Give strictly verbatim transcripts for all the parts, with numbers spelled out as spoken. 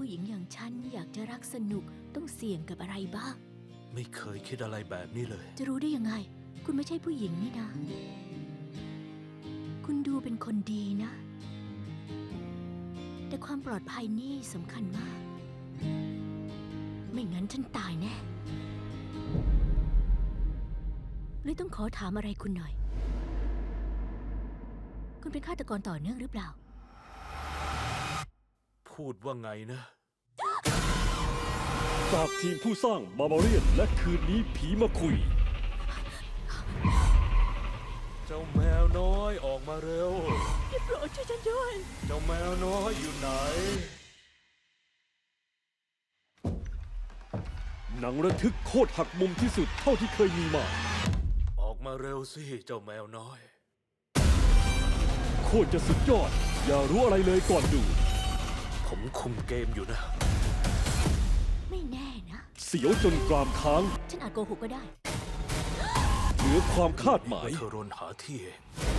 ผู้หญิงอย่างฉันอยากจะรักสนุกต้องเสี่ยงกับอะไรบ้างไม่เคยคิดอะไรแบบนี้เลยจะรู้ได้ยังไง คุณไม่ใช่ผู้หญิงนี่นะ คุณดูเป็นคนดีนะ แต่ความปลอดภัยนี่สำคัญมาก ไม่งั้นฉันตายแน่เลยต้องขอถามอะไรคุณหน่อย คุณเป็นฆาตกรต่อเนื่องหรือเปล่าพูดว่าไงนะจากทีมผู้สร้างบาบาเรียนและคืนนี้ผีมาคุยเจ้าแมวน้อยออกมาเร็วโปรดช่วยฉันด้วยเจ้าแมวน้อยอยู่ไหนหนังระทึกโคตรหักมุมที่สุดเท่าที่เคยมีมาออกมาเร็วสิเจ้าแมวน้อยโคตรจะสุดยอด อย่ารู้อะไรเลยก่อนดูผมคุมเกมอยู่นะไม่แน่นะเสียวจนกรามค้างฉันอาจโกหกก็ได้เหนือความคาดหมายเธอรนหาที่เอง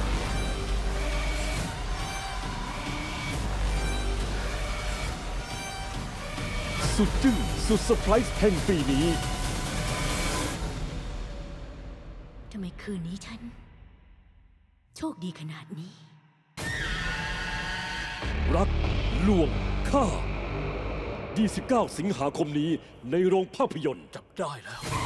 สุดจึ้งสุดเซอร์ไพรส์แห่งปีนี้ทำไมคืนนี้ฉัน โชคดีขนาดนี้รักลวงฆ่ายี่สิบเก้า สิงหาคมนี้ในโรงภาพยนตร์จับได้แล้ว